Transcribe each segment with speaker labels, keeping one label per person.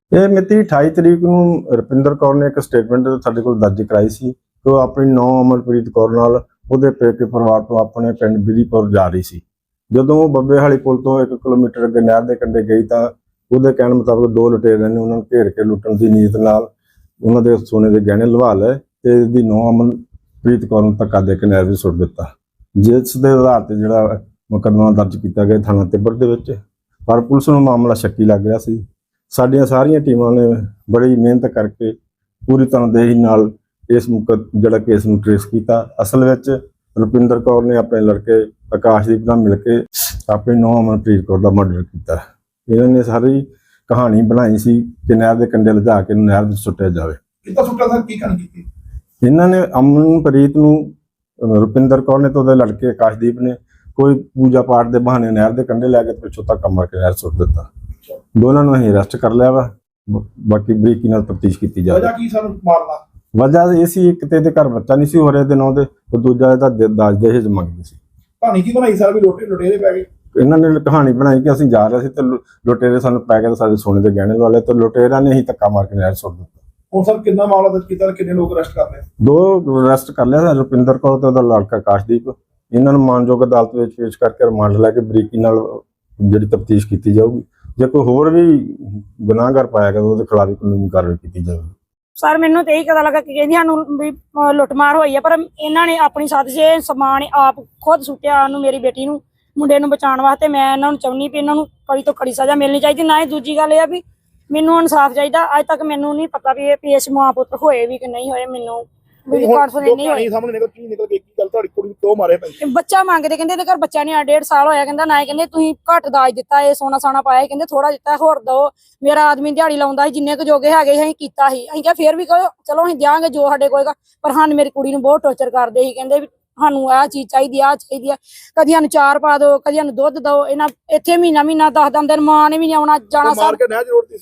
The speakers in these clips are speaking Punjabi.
Speaker 1: ਇਹ ਮਿਤੀ 28 ਤਰੀਕ ਨੂੰ ਰੁਪਿੰਦਰ ਕੌਰ ਨੇ ਇੱਕ ਸਟੇਟਮੈਂਟ ਸਾਡੇ ਕੋਲ ਦਰਜ ਕਰਾਈ ਸੀ ਕਿ ਉਹ ਆਪਣੀ ਨੌਂ ਅਮਰਪ੍ਰੀਤ ਕੌਰ ਨਾਲ ਉਹਦੇ ਪੇਕੇ ਪਰਿਵਾਰ ਤੋਂ ਆਪਣੇ ਪਿੰਡ ਬਿਧੀਪੁਰ ਜਾ ਰਹੀ ਸੀ। ਜਦੋਂ ਉਹ ਬੱਬੇਹਾਲੀ ਪੁਲ ਤੋਂ 1 ਕਿਲੋਮੀਟਰ ਅੱਗੇ ਨਹਿਰ ਦੇ ਕੰਢੇ ਗਈ ਤਾਂ ਉਹਦੇ ਕਹਿਣ ਮੁਤਾਬਕ ਦੋ ਲੁਟੇਰਿਆਂ ਨੇ ਉਹਨਾਂ ਨੂੰ ਘੇਰ ਕੇ ਲੁੱਟਣ ਦੀ ਨੀਅਤ ਨਾਲ ਉਹਨਾਂ ਦੇ ਸੋਨੇ ਦੇ ਗਹਿਣੇ ਲਵਾ ਲਏ ਤੇ ਇਹਦੀ ਨੌਂ ਅਮਰਪ੍ਰੀਤ ਕੌਰ ਨੂੰ ਧੱਕਾ ਦੇ ਕੇ ਨਹਿਰ ਵਿੱਚ ਸੁੱਟ ਦਿੱਤਾ, ਜਿਸ ਦੇ ਆਧਾਰ ਤੇ ਜਿਹੜਾ ਮੁਕੱਦਮਾ ਦਰਜ ਕੀਤਾ ਗਿਆ ਥਾਣਾ ਤਿੱਬੜ ਦੇ ਵਿੱਚ। ਪਰ ਪੁਲਿਸ ਨੂੰ ਮਾਮਲਾ ਸ਼ੱਕੀ ਲੱਗ ਰਿਹਾ ਸੀ। ਸਾਡੀਆਂ ਸਾਰੀਆਂ ਟੀਮਾਂ ਨੇ ਬੜੀ ਮਿਹਨਤ ਕਰਕੇ ਪੂਰੀ ਤਨਦੇਹੀ ਨਾਲ ਇਸ ਜਿਹੜਾ ਕੇਸ ਨੂੰ ਟ੍ਰੇਸ ਕੀਤਾ। ਅਸਲ ਵਿੱਚ ਰੁਪਿੰਦਰ ਕੌਰ ਨੇ ਆਪਣੇ ਲੜਕੇ ਆਕਾਸ਼ਦੀਪ ਨਾਲ ਮਿਲ ਕੇ ਆਪਣੀ ਨੌਂ ਅਮਰਪ੍ਰੀਤ ਕੌਰ ਦਾ ਮਰਡਰ ਕੀਤਾ। ਇਹਨਾਂ ਨੇ ਸਾਰੀ ਕਹਾਣੀ ਬਣਾਈ ਸੀ ਕਿ ਨਹਿਰ ਦੇ ਕੰਢੇ ਲਿਜਾ ਕੇ ਨਹਿਰ ਵਿੱਚ ਸੁੱਟਿਆ ਜਾਵੇ।
Speaker 2: ਕਿੱਦਾਂ ਸੁੱਟਿਆ ਸਰ, ਕੀ ਕਰਨ ਕੀਤੀ?
Speaker 1: ਇਹਨਾਂ ਨੇ ਅਮਨਪ੍ਰੀਤ ਨੂੰ ਰੁਪਿੰਦਰ ਕੌਰ ਨੇ ਤੇ ਉਹਦੇ ਲੜਕੇ ਆਕਾਸ਼ਦੀਪ ਨੇ ਕੋਈ ਪੂਜਾ ਪਾਠ ਦੇ ਬਹਾਨੇ ਨਹਿਰ ਦੇ ਕੰਢੇ ਲੈ ਕੇ ਪਿੱਛੋਂ ਧੱਕਾ ਮਾਰ ਕੇ ਨਹਿਰ ਸੁੱਟ ਦਿੱਤਾ। ਦੋਨਾਂ ਨੂੰ ਅਸੀਂ ਅਰੈਸਟ ਕਰ ਲਿਆ ਵਾ, ਬਾਕੀ ਬਰੀਕੀ ਨਾਲ ਤਫਤੀਸ਼ ਕੀਤੀ ਜਾਵੇ।
Speaker 2: ਵਜ੍ਹਾ ਕੀ ਸਰ ਮਾਰਨਾ?
Speaker 1: ਵਜ੍ਹਾ ਇਹ ਸੀ ਇੱਕ ਤੇ ਇਹਦੇ ਘਰ ਬੱਚਾ ਨਹੀਂ ਸੀ ਹੋ ਰਿਹਾ ਦੇ ਨਾਂ ਦੇ, ਤੇ ਦੂਜਾ ਇਹਦਾ ਦਾਜ ਦਹੇਜ ਮੰਗਦੇ ਸੀ।
Speaker 2: ਕਹਾਣੀ ਕੀ ਬਣਾਈ ਸਰ ਵੀ ਲੁਟੇਰੇ ਪੈ ਗਏ?
Speaker 1: ਇਹਨਾਂ ਨੇ ਕਹਾਣੀ ਬਣਾਈ ਕਿ ਅਸੀਂ ਜਾ ਰਹੇ ਸੀ ਤੇ ਲੁਟੇਰੇ ਸਾਨੂੰ ਪੈ ਕੇ ਸਾਡੇ ਸੋਨੇ ਦੇ ਗਹਿਣੇ ਲਵਾ ਲਏ ਤੇ ਲੁਟੇਰਾਂ ਨੇ ਹੀ ਧੱਕਾ ਮਾਰ ਕੇ ਨਹਿਰ ਸੁੱਟ ਦਿੱਤਾ।
Speaker 2: ਹੁਣ ਸਰ ਕਿੰਨਾ ਮਾਮਲਾ ਦਰਜ ਕੀਤਾ, ਕਿੰਨੇ ਲੋਕ ਅਰੈਸਟ ਕਰ ਲਏ?
Speaker 1: ਦੋ ਅਰੈਸਟ ਕਰ ਲਿਆ, ਰੁਪਿੰਦਰ ਕੌਰ ਤੇ ਉਹਦਾ ਲੜਕਾ ਆਕਾਸ਼ਦੀਪ। ਇਹਨਾਂ ਨੂੰ ਮਾਨਯੋਗ ਅਦਾਲਤ ਵਿੱਚ ਪੇਸ਼ ਕਰਕੇ ਰਿਮਾਂਡ ਲੈ ਕੇ ਬਰੀਕੀ ਨਾਲ ਜਿਹੜੀ ਤਫਤੀਸ਼ ਕੀਤੀ ਜਾਊਗੀ। ਜੇ ਕੋਈ ਹੋਰ ਵੀ ਗੁਨਾਹਗਾਰ ਪਾਇਆ ਗਿਆ ਤਾਂ ਉਹਦੇ ਖਿਲਾਫ ਕਾਨੂੰਨੀ ਕਾਰਵਾਈ ਕੀਤੀ ਜਾਵੇਗੀ।
Speaker 3: ਸਰ ਮੈਨੂੰ ਤੇ ਇਹੀ ਪਤਾ ਲੱਗਾ ਕਿ ਕਹਿੰਦੀ ਸਾਨੂੰ ਵੀ ਲੁੱਟਮਾਰ ਹੋਈ ਆ, ਪਰ ਇਹਨਾਂ ਨੇ ਆਪਣੀ ਸਾਜ਼ਿਸ਼ ਇਹ ਸਮਾਨ ਆਪ ਖੁਦ ਸੁੱਟਿਆ ਉਹਨੂੰ, ਮੇਰੀ ਬੇਟੀ ਨੂੰ, ਮੁੰਡੇ ਨੂੰ ਬਚਾਉਣ ਵਾਸਤੇ। ਮੈਂ ਇਹਨਾਂ ਨੂੰ ਚਾਹੁੰਦੀ ਵੀ ਇਹਨਾਂ ਨੂੰ ਕੜੀ ਤੋਂ ਕੜੀ ਸਜ਼ਾ ਮਿਲਣੀ ਚਾਹੀਦੀ। ਨਾ ਹੀ ਦੂਜੀ ਗੱਲ ਇਹ ਆ ਵੀ ਮੈਨੂੰ ਇਨਸਾਫ ਚਾਹੀਦਾ। ਅੱਜ ਤੱਕ ਮੈਨੂੰ ਨਹੀਂ ਪਤਾ ਵੀ ਇਹ ਇਸ ਮਾਂ ਪੁੱਤ ਹੋਏ ਵੀ ਕਿ ਨਹੀਂ ਹੋਏ, ਮੈਨੂੰ ਵੀ ਕਾਨਫੀਡੈਂਸ ਨਹੀਂ ਹੋਈ।
Speaker 2: ਸਾਹਮਣੇ ਨਿਕਲ ਕੀ ਨਿਕਲ ਕੇ ਕੀ ਗੱਲ ਤੁਹਾਡੀ ਕੁੜੀ ਦੋ ਮਾਰੇ ਪਏ?
Speaker 3: ਬੱਚਾ ਮੰਗਦੇ, ਕਹਿੰਦੇ ਇਹਦੇ ਘਰ ਬੱਚਾ ਨਹੀਂ ਆ, 1.5 ਸਾਲ ਹੋਇਆ। ਕਹਿੰਦਾ ਨਾ, ਕਹਿੰਦੇ ਤੁਸੀਂ ਘੱਟ ਦਾਜ ਦਿੱਤਾ, ਇਹ ਸੋਨਾ ਸਾਣਾ ਪਾਇਆ, ਕਹਿੰਦੇ ਥੋੜਾ ਦਿੱਤਾ, ਹੋਰ ਦੋ। ਮੇਰਾ ਆਦਮੀ ਦਿਹਾੜੀ ਲਾਉਂਦਾ ਸੀ, ਜਿੰਨੇ ਕੁ ਜੋਗੇ ਹੈਗੇ ਅਸੀਂ ਕੀਤਾ ਸੀ। ਅਸੀਂ ਕਿਹਾ ਫੇਰ ਵੀ ਚਲੋ ਅਸੀਂ ਦਿਆਂਗੇ ਜੋ ਸਾਡੇ ਕੋਲ, ਪਰ ਸਾਨੂੰ ਮੇਰੀ ਕੁੜੀ ਨੂੰ ਬਹੁਤ ਟੌਰਚਰ ਕਰਦੇ ਸੀ। ਕਹਿੰਦੇ ਵੀ ਸਾਨੂੰ ਆਹ ਚੀਜ਼ ਚਾਹੀਦੀ, ਆਹ ਚਾਹੀਦੀ ਆ, ਕਦੀ ਸਾਨੂੰ ਚਾਰ ਪਾ ਦਿਓ, ਕਦੀ ਸਾਨੂੰ ਦੁੱਧ ਦਿਓ। ਇਹਨਾਂ ਇੱਥੇ ਮਹੀਨਾ 10 ਦਿਨ ਮਾਂ ਨੇ ਵੀ ਨਹੀਂ ਆਉਣਾ ਜਾਣਾ।
Speaker 2: ਮਾਰ ਕੇ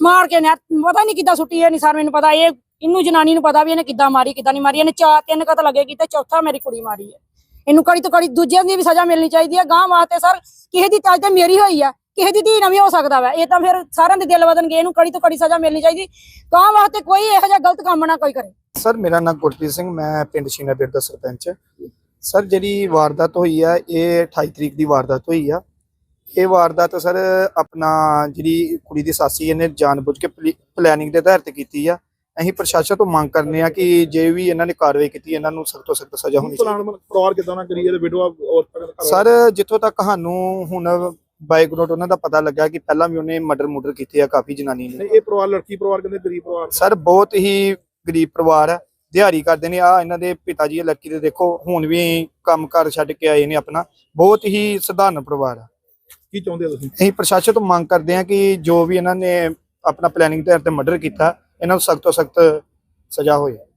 Speaker 3: ਪਤਾ ਨਹੀਂ ਕਿੱਦਾਂ ਸੁੱਟੀ ਹੈ, ਨਹੀਂ ਸਰ ਮੈਨੂੰ ਪਤਾ। ਇਹਨੂੰ ਜਨਾਨੀ ਨੂੰ ਪਤਾ ਵੀ ਇਹਨੇ ਕਿੱਦਾਂ ਮਾਰੀ ਕਿੱਦਾਂ ਨਹੀਂ ਮਾਰੀ। ਇਹਨੇ 3 ਕਤਲ ਲੱਗੇ ਕੀਤੇ, ਚੌਥਾ ਮੇਰੀ ਕੁੜੀ ਮਾਰੀ ਹੈ। ਇਹਨੂੰ ਕੜੀ ਤੋਂ ਕੜੀ ਦੂਜਿਆਂ ਦੀ ਵੀ ਸਜ਼ਾ ਮਿਲਣੀ ਚਾਹੀਦੀ ਹੈ। ਗਾਂ ਵਾਸਤੇ ਸਰ ਕਿਸੇ ਦੀ ਤਾਜ ਤੇ ਮੇਰੀ ਹੋਈ ਆ, ਕਿਸੇ ਦੀ ਧੀ ਨਾ ਵੀ ਹੋ ਸਕਦਾ ਵਾ। ਇਹ ਤਾਂ ਫਿਰ ਸਾਰਿਆਂ ਦੇ ਦਿਲ ਵਧਣਗੇ। ਇਹਨੂੰ ਕੜੀ ਤੋਂ ਕੜੀ ਸਜ਼ਾ ਮਿਲਣੀ ਚਾਹੀਦੀ। ਗਾਂ ਵਾਸਤੇ ਕੋਈ ਇਹੋ ਜਿਹਾ ਗਲਤ ਕੰਮ ਨਾ ਕੋਈ ਕਰੇ।
Speaker 4: ਸਰ ਮੇਰਾ ਨਾਮ ਗੁਰਪ੍ਰੀਤ ਸਿੰਘ, ਮੈਂ ਪਿੰਡ ਸ਼ੀਨਾਪੁਰ ਦਾ ਸਰਪੰਚ। ਸਰ ਜਿਹੜੀ ਵਾਰਦਾਤ ਹੋਈ ਆ ਇਹ 28 ਤਰੀਕ ਦੀ ਵਾਰਦਾਤ ਹੋਈ ਆ। ਇਹ ਵਾਰਦਾਤ ਸਰ ਆਪਣਾ ਜਿਹੜੀ ਕੁੜੀ ਦੀ ਸਾਸੀ ਇਹਨੇ ਜਾਣਬੁੱਝ ਕੇ ਪਲੈਨਿੰਗ ਦੇ ਆਧਾਰ ਤੇ ਕੀਤੀ ਆ। ਅਸੀਂ ਪ੍ਰਸ਼ਾਸਨ ਤੋਂ ਮੰਗ ਕਰਨੇ ਆ ਕਿ ਜੇ ਵੀ ਇਹਨਾਂ ਨੇ ਕਾਰਵਾਈ ਕੀਤੀ ਇਹਨਾਂ ਨੂੰ ਸਖਤ ਤੋਂ ਸਖਤ ਸਜ਼ਾ ਹੋਣੀ ਚਾਹੀਦੀ।
Speaker 2: ਪਰਿਵਾਰ ਕਿਦਾਂ ਨਾ ਕਰੀਏ ਤੇ ਵਿਡੋਆ
Speaker 4: ਸਰ ਜਿੱਥੋਂ ਤੱਕ ਸਾਨੂੰ ਹੁਣ ਬਾਈਗਨੋਟ ਉਹਨਾਂ ਦਾ ਪਤਾ ਲੱਗਾ ਕਿ ਪਹਿਲਾਂ ਵੀ ਉਹਨੇ ਮਰਡਰ ਕੀਤੇ ਆ ਕਾਫੀ ਜਨਾਨੀ ਨੇ।
Speaker 2: ਇਹ ਪਰਿਵਾਰ ਲੜਕੀ ਪਰਿਵਾਰ ਕਹਿੰਦੇ ਗਰੀਬ ਪਰਿਵਾਰ
Speaker 4: ਸਰ ਬਹੁਤ ਹੀ ਗਰੀਬ ਪਰਿਵਾਰ ਹੈ, ਦਿਹਾੜੀ ਕਰਦੇ ਨੇ। ਆ ਇਹਨਾਂ ਦੇ ਪਿਤਾ ਜੀ ਲੜਕੀ ਦੇ ਦੇਖੋ ਹੁਣ ਵੀ ਕੰਮ ਕਾਰ ਛੱਡ ਕੇ ਆਏ ਨੇ ਆਪਣਾ। ਬਹੁਤ ਹੀ ਸਧਾਰਨ ਪਰਿਵਾਰ ਆ।
Speaker 2: ਕੀ ਚਾਹੁੰਦੇ ਹੋ ਤੁਸੀਂ?
Speaker 4: ਅਸੀਂ ਪ੍ਰਸ਼ਾਸਨ ਤੋਂ ਮੰਗ ਕਰਦੇ ਹਾਂ ਕਿ ਜੋ ਵੀ ਇਹਨਾਂ ਨੇ ਆਪਣਾ ਪਲੈਨਿੰਗ ਦੇ ਉੱਤੇ ਮਰਡਰ ਕੀਤਾ ਇਹਨਾਂ ਨੂੰ ਸਖਤ ਤੋਂ ਸਖਤ ਸਜ਼ਾ ਹੋਏ।